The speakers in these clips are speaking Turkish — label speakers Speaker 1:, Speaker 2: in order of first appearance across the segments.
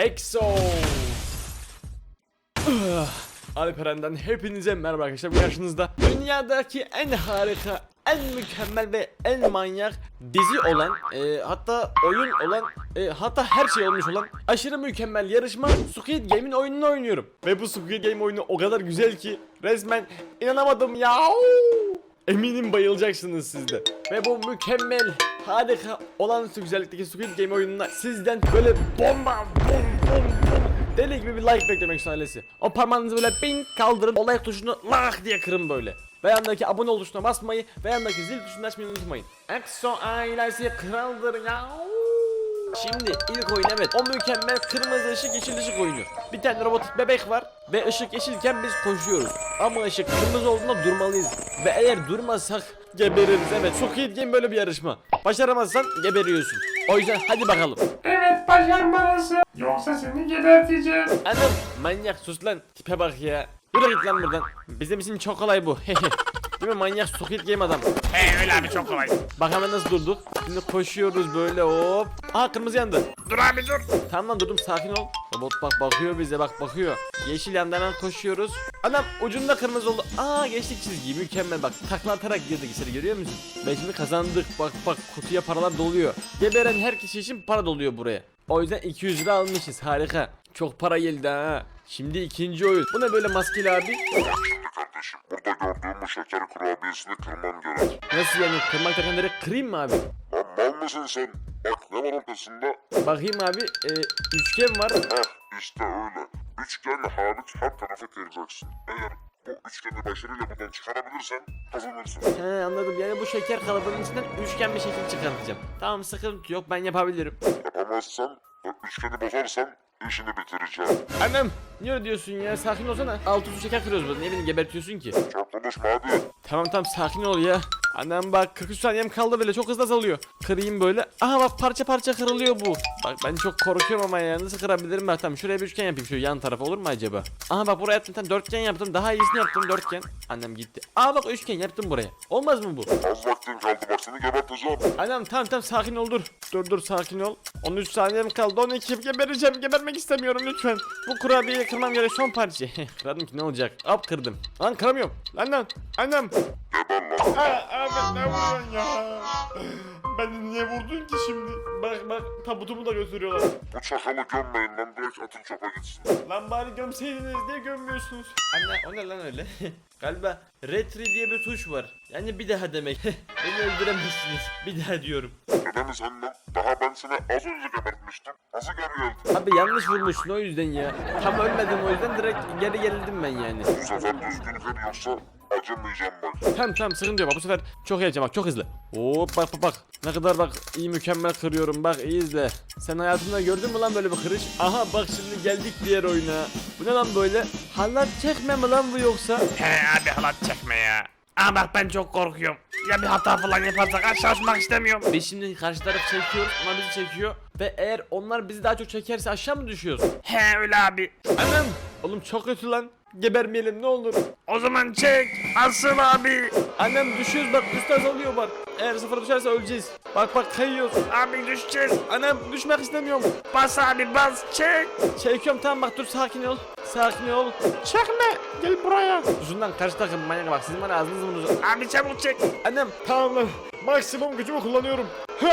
Speaker 1: EXO. Alperen'den hepinize merhaba arkadaşlar. Bu karşınızda dünyadaki en harika, en mükemmel ve en manyak dizi olan, hatta oyun olan, hatta her şey olmuş olan aşırı mükemmel yarışma Squid Game'in oyununu oynuyorum. Ve bu Squid Game oyunu o kadar güzel ki resmen inanamadım ya. Eminim bayılacaksınız siz de. Ve bu mükemmel, harika, olağanüstü güzellikteki Squid Game oyununa sizden böyle bomba, deli gibi bir like beklemek için ailesi. O parmağınızı böyle ping kaldırın, o like tuşunu lah diye kırın böyle. Ve yandaki abone ol tuşuna basmayı ve yandaki zil tuşunu açmayı unutmayın. EXO ailesi kraldır ya. Şimdi ilk oyun, evet, o mükemmel kırmızı ışık yeşil ışık oyunu. Bir tane robotik bebek var ve ışık yeşilken biz koşuyoruz. Ama ışık kırmızı olduğunda durmalıyız. Ve eğer durmazsak gebeririz. Evet, Squid Game böyle bir yarışma. Başaramazsan geberiyorsun. O yüzden hadi bakalım.
Speaker 2: Evet, başarmalısın. Yoksa seni geberteceğim.
Speaker 1: Anam manyak, sus lan, tipe bak ya. Yürü git lan buradan. Bizim için çok kolay bu. Değil mi manyak Squid Game adam?
Speaker 2: Öyle abi, çok kolay.
Speaker 1: Bak hemen nasıl durduk. Şimdi koşuyoruz böyle, hop. Aha, kırmızı yandı.
Speaker 2: Dur abi, dur.
Speaker 1: Tamam lan, durdum, sakin ol. Robot bak bakıyor bize, bak bakıyor. Yeşil yandan hemen koşuyoruz. Adam ucunda kırmızı oldu. Aa, geçtik çizgiyi, mükemmel, bak takla atarak girdik içeri, görüyor musun? Ve şimdi kazandık, bak bak, kutuya paralar doluyor. Geberen her kişi için para doluyor buraya. O yüzden 200 lira almışız, harika. Çok para geldi ha. Şimdi ikinci oyun. Bu ne böyle maskeli abi?
Speaker 3: Şimdi kardeşim, burada gördüğüm bu şeker kurabiyesini kırman gerek.
Speaker 1: Nasıl yani, kırmak takanları kırayım mı abi?
Speaker 3: Lan mal mısın sen? Bak ne var ortasında?
Speaker 1: Bakayım abi, üçgen var.
Speaker 3: Heh, işte öyle. Üçgen hariç her tarafı kıracaksın. Eğer bu üçgeni başarıyla buradan çıkarabilirsen kazanırsın.
Speaker 1: He, anladım, yani bu şeker kalıbının içinden üçgen bir şekil çıkartacağım. Tamam, sıkıntı yok, ben yapabilirim.
Speaker 3: Yapamazsan ve üçgeni bozarsan işini bitireceğim.
Speaker 1: Annem, niye öyle diyorsun ya, sakin olsana. Altı su şeker kırıyoruz burada, niye beni gebertiyorsun ki?
Speaker 3: Çok konuşma hadi.
Speaker 1: Tamam tamam, sakin ol ya. Annem bak, 43 saniyem kaldı, böyle çok hızlı azalıyor. Kırayım böyle. Aha bak, parça parça kırılıyor bu. Bak ben çok korkuyorum ama ya, nasıl kırabilirim ben? Tamam, şuraya bir üçgen yapayım, şu yan tarafa olur mu acaba? Aha bak, buraya yaptım, tam dörtgen yaptım, daha iyisini yaptım, dörtgen. Annem gitti. Aa bak, üçgen yaptım buraya. Olmaz mı bu?
Speaker 3: Az vaktin kaldı, bak seni geberteceğim.
Speaker 1: Annem tamam tamam, sakin ol, dur. Dur sakin ol. 13 saniyem kaldı, 12, gebereceğim, gebermek istemiyorum lütfen. Bu kurabiyeyi kırmam gerek, son parça. Kırdım ki ne olacak? Hop, kırdım. Lan kıramıyorum. Lan annem.
Speaker 3: Geber lan.
Speaker 1: Abi ne vuruyorsun ya? Beni niye vurdun ki şimdi? Bak tabutumu da götürüyorlar.
Speaker 3: Bu çakalı gömmeyin lan, direkt atın çöpe gitsin.
Speaker 1: Lan bari gömseydiniz, niye gömmüyorsunuz? Anne, o ne lan öyle? Galiba retry diye bir tuş var. Yani bir daha demek. Beni öldüremezsiniz. Bir daha diyorum.
Speaker 3: Neden sen lan? Daha ben seni az önce gebertmiştim. Nasıl geri geldin?
Speaker 1: Abi yanlış vurmuşsun, o yüzden ya. Tam ölmedim, o yüzden direkt geri gerildim ben yani.
Speaker 3: Bu sefer düzgün kır, yoksa acımayacağım bak.
Speaker 1: Tamam sıkıntı yok, bak bu sefer çok heyecan, bak çok hızlı. Hop bak. Ne kadar bak, iyi, mükemmel kırıyorum, bak iyi izle. Sen hayatında gördün mü lan böyle bir kırış? Aha bak, şimdi geldik diğer oyuna. Bu ne lan böyle? Halat çekme mi lan bu yoksa?
Speaker 2: He abi, halat çekme ya. Ama bak, ben çok korkuyorum. Ya bir hata falan yaparsak aşağı uçmak istemiyorum.
Speaker 1: Biz şimdi karşı taraf çekiyoruz, onlar bizi çekiyor. Ve eğer onlar bizi daha çok çekerse aşağı mı düşüyoruz?
Speaker 2: He öyle abi.
Speaker 1: Anam! Oğlum çok kötü lan. Gebermeyelim ne olur.
Speaker 2: O zaman çek. Asıl abi.
Speaker 1: Annem, düşüyoruz bak, üst azalıyor bak. Eğer sıfıra düşerse öleceğiz. Bak kayıyoruz.
Speaker 2: Abi düşeceğiz.
Speaker 1: Annem, düşmek istemiyorum.
Speaker 2: Bas abi, bas, çek.
Speaker 1: Çekiyorum, tamam bak, dur, sakin ol. Sakin ol. Çekme. Gel buraya. Uzundan karşı takım manyak, bak sizin bana ağzınızı bunu.
Speaker 2: Abi çabuk çek.
Speaker 1: Annem, tamam lan. Maksimum gücümü kullanıyorum.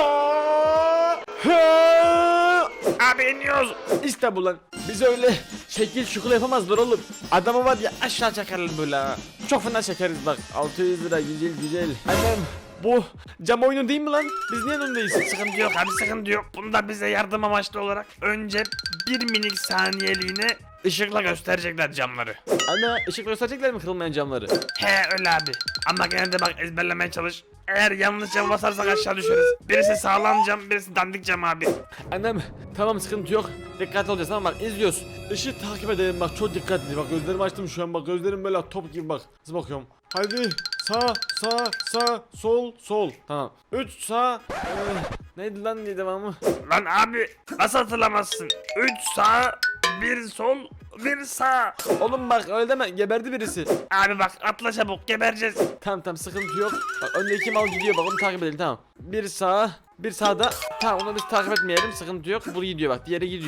Speaker 2: Abi iniyoruz.
Speaker 1: İşte bu lan. Biz öyle şekil şukul yapamazlar oğlum. Adamı var ya, aşağı çekerler böyle ha. Çok fena çekeriz bak. 600 lira, güzel. Annem, bu cam oyunu değil mi lan? Biz niye önündeyiz?
Speaker 2: Sıkıntı yok abi, sıkıntı yok. Bunda bize yardım amaçlı olarak önce bir minik saniyeliğine ışıkla gösterecekler camları.
Speaker 1: Ana, ışık gösterecekler mi kırılmayan camları?
Speaker 2: He öyle abi. Ama gene de bak, ezberlemeye çalış. Eğer yanlış cam basarsak aşağı düşeriz. Birisi sağlam cam, birisi dandik cam abi.
Speaker 1: Annem, tamam sıkıntı yok. Dikkatli olacağız, tamam bak, izliyoruz. Işığı takip edelim bak, çok dikkatli. Bak gözlerimi açtım şu an, bak gözlerim böyle top gibi bak. Nasıl bakıyorum? Hadi sağ sol. Tamam. 3 sağ. Neydi lan diye devamı?
Speaker 2: Lan abi, nasıl hatırlamazsın? 3 sağ, 1 sol, 1 sağ.
Speaker 1: Oğlum bak öyle deme, geberdi birisi.
Speaker 2: Abi bak, atla çabuk, gebereceğiz.
Speaker 1: Tamam sıkıntı yok. Bak öndeki mal gidiyor, bak onu takip edelim, tamam. Bir sağa, bir sağda. Tamam, onu biz takip etmeyelim, sıkıntı yok. Bu gidiyor bak, diğeri gidiyor.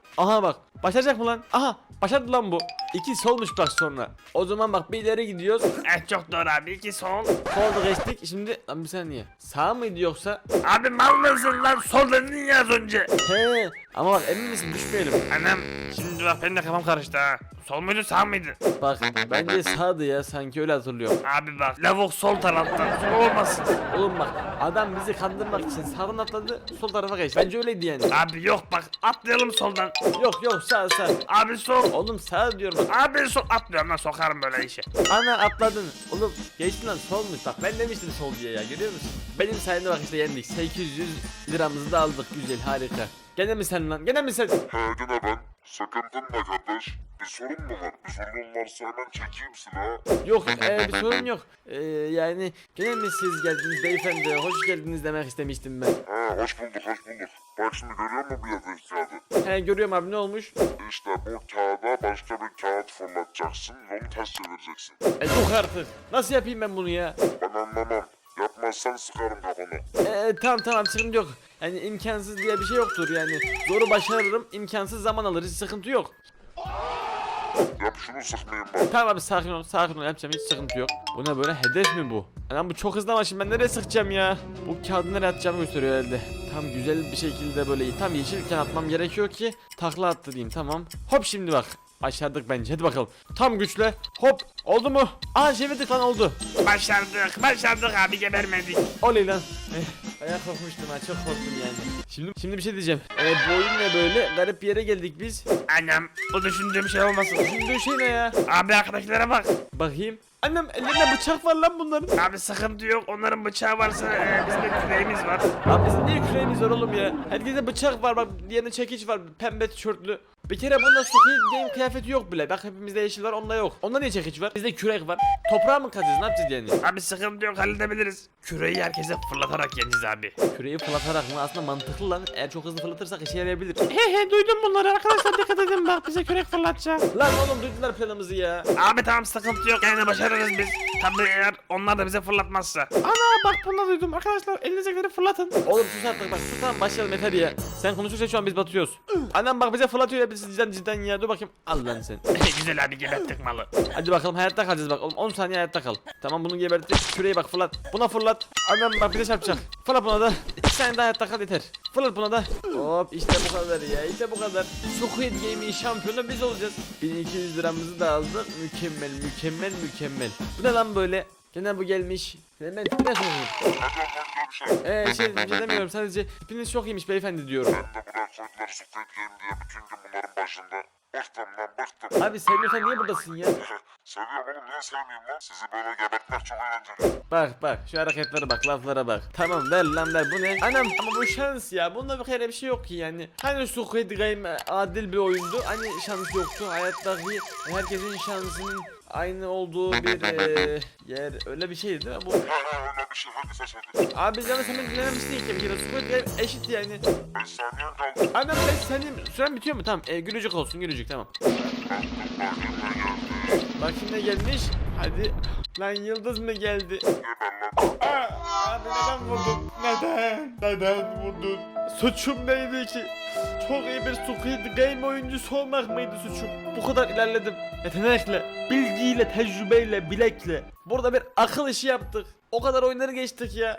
Speaker 1: Aha bak. Başaracak mı lan? Aha başardı lan bu. 2 solmuş bak sonra. O zaman bak bir ileri gidiyoruz.
Speaker 2: Çok doğru abi. 2 sol.
Speaker 1: Solda geçtik. Şimdi lan bir saniye. Sağ mıydı yoksa?
Speaker 2: Abi mal mısın lan? Sol dedin ya az önce.
Speaker 1: He. Ama bak emin misin düşmeyelim.
Speaker 2: Anam şimdi bak benim de kafam karıştı ha. Sol muydu sağ mıydı?
Speaker 1: Bak bence sağdı ya sanki öyle hatırlıyorum.
Speaker 2: Abi bak lavuk sol tarafta. Sol olmasın.
Speaker 1: Oğlum bak adam bizi kandırmak için sağdan atladı sol tarafa geçti. Bence öyleydi yani.
Speaker 2: Abi yok bak atlayalım soldan.
Speaker 1: Yok sağ.
Speaker 2: Abi sol.
Speaker 1: Oğlum sağ diyorum bak.
Speaker 2: Abi sol atlıyorum lan sokarım böyle işe.
Speaker 1: Ana atladın. Oğlum geçtin lan solmuş bak ben demiştim sol diye ya görüyor musun? Benim sayemde bak işte yendik. 800 liramızı da aldık güzel harika. Gene mi sen lan? Gene mi sen?
Speaker 3: He gene ben. Sakıntın ne kardeş? Bir sorun mu var? Bir sorun varsa hemen çekeyim silahı.
Speaker 1: Yok bir sorun yok. Yani gene mi siz geldiniz beyefendi? Hoş geldiniz demek istemiştim ben.
Speaker 3: He hoş bulduk. Bak şimdi görüyor musun bu yerdeki kağıdı?
Speaker 1: He görüyorum abi ne olmuş?
Speaker 3: İşte bu kağıda başka bir kağıt fırlatacaksın ve onu ters çevireceksin.
Speaker 1: Yok artık. Nasıl yapayım ben bunu ya?
Speaker 3: Ben anlamam. Yapmazsan sıkarım kafana.
Speaker 1: Tamam sıkıntı yok. Yani imkansız diye bir şey yoktur yani. Zoru başarırım, imkansız zaman alır, hiç sıkıntı yok.
Speaker 3: Yap şunu sıkmayayım bak.
Speaker 1: Tamam abi sakin ol yapacağım hiç sıkıntı yok. Bu ne böyle hedef mi bu? Anam bu çok hızlı ama şimdi ben nereye sıkacağım ya? Bu kağıdı nereye atacağımı gösteriyor herhalde. Tam güzel bir şekilde böyle tam yeşilken atmam gerekiyor ki takla attı diyeyim tamam. Hop şimdi bak. Başardık bence hadi bakalım. Tam güçle hop oldu mu? Aa çevirdik lan oldu.
Speaker 2: Başardık abi gebermedik.
Speaker 1: Oley lan. Bayağı korkmuştum ha çok korktum yani. Şimdi bir şey diyeceğim. Bu oyun ne böyle? Garip bir yere geldik biz.
Speaker 2: Annem bu düşündüğüm şey olmasın.
Speaker 1: Şimdi şey ne ya?
Speaker 2: Abi arkadaşlara bak.
Speaker 1: Bakayım. Annem ellerinde bıçak var lan bunların.
Speaker 2: Abi sıkıntı yok onların bıçağı varsa bizim de küreğimiz var.
Speaker 1: Abi bizim niye küreğimiz var oğlum ya? Herkeste bıçak var bak diğerinde çekiç var pembe tişörtlü. Bir kere bunda Squid Game kıyafeti yok bile. Bak hepimizde yeşil var onda yok. Onda niye çekiç var? Bizde kürek var. Toprağa mı kazacağız ne yapacağız yani?
Speaker 2: Abi sıkıntı yok halledebiliriz. Küreği herkese fırlatarak yeneceğiz abi.
Speaker 1: Küreği fırlatarak mı? Aslında mantıklı lan. Eğer çok hızlı fırlatırsak işe yarayabilir. He duydum bunları arkadaşlar dikkat edin bak bize kürek fırlatacak. Lan oğlum duydular planımızı ya.
Speaker 2: Abi tamam sıkıntı yok yani başarırız biz. Tabii eğer onlar da bize fırlatmazsa.
Speaker 1: Ana bak bunu duydum arkadaşlar elinizdekileri fırlatın. Oğlum sus artık bak sus tamam başlayalım yeter ya. Sen konuşursan şu an biz batıyoruz. Anam bak bize fırlatıyor ya biz cidden ya dur bakayım. Al lan sen.
Speaker 2: Güzel abi geberttik malı.
Speaker 1: Hadi bakalım hayatta kalacağız bak oğlum 10 saniye hayatta kal. Tamam bunu geberttik küreği bak fırlat. Buna fırlat. Anam bak bir de çarpacak. Fırlat buna da. 2 saniye daha hayatta kal yeter. Fırlat buna da. Hop işte bu kadar ya işte bu kadar. Squid Game'in şampiyonu biz olacağız. 1200 liramızı da aldık. Mükemmel. Bu ne lan böyle? Gene bu gelmiş. Ben ne söyleyeyim?
Speaker 3: Hadi ondan görüşelim.
Speaker 1: Bir şey demiyorum sadece tipiniz çok iyiymiş beyefendi diyorum.
Speaker 3: Ben de buraya koydular Squid Game diye bütün gün bunların başında. Bıktım.
Speaker 1: Abi sevmiyorsan niye buradasın ya?
Speaker 3: Seviyorum oğlum niye sevmeyeyim lan? Sizi böyle gebertmek çok eğlenceli.
Speaker 1: Bak şu hareketlere bak laflara bak. Tamam ver lan ver bu ne? Anam ama bu şans ya bunda bir kere bir şey yok ki yani. Hani Squid Game adil bir oyundu hani şans yoktu hayattaki herkesin şansının aynı olduğu bir yer öyle bir şeydi değil mi bu?
Speaker 3: Öyle bir şey hadi seç hadi.
Speaker 1: Abi canım sen beni dinlememişsin ki bir kere Squid Game eşit yani.
Speaker 3: 5 saniyen kaldı.
Speaker 1: Anam 5 saniye süren bitiyor mu? Tamam gülücük olsun gülücük tamam. Bak şimdi gelmiş. Hadi. Lan yıldız mı geldi? Abi neden vurdun? Neden vurdun? Suçum neydi ki? Çok iyi bir Squid Game oyuncusu olmak mıydı suçum? Bu kadar ilerledim. Yetenekle, bilgiyle, tecrübeyle, bilekle. Burada bir akıl işi yaptık. O kadar oyunları geçtik ya.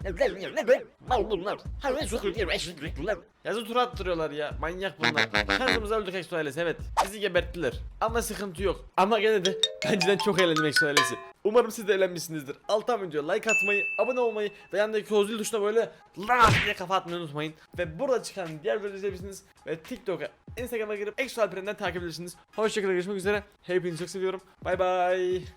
Speaker 1: Yazı tur attırıyorlar ya. Manyak bunlar. Şansımıza öldük Exo ailesi evet. Bizi geberttiler. Ama sıkıntı yok. Ama gene de bence çok eğlendim Exo ailesi. Umarım siz de eğlenmişsinizdir. Alttan videoya like atmayı, abone olmayı ve yanındaki o zil tuşuna böyle lah diye kafa atmayı unutmayın. Ve burada çıkan diğer videoları izleyebilirsiniz. Ve TikTok'a, Instagram'a girip Exo Alperen'den takip edebilirsiniz. Hoşçakalın görüşmek üzere. Hepinizi çok seviyorum. Bay bay.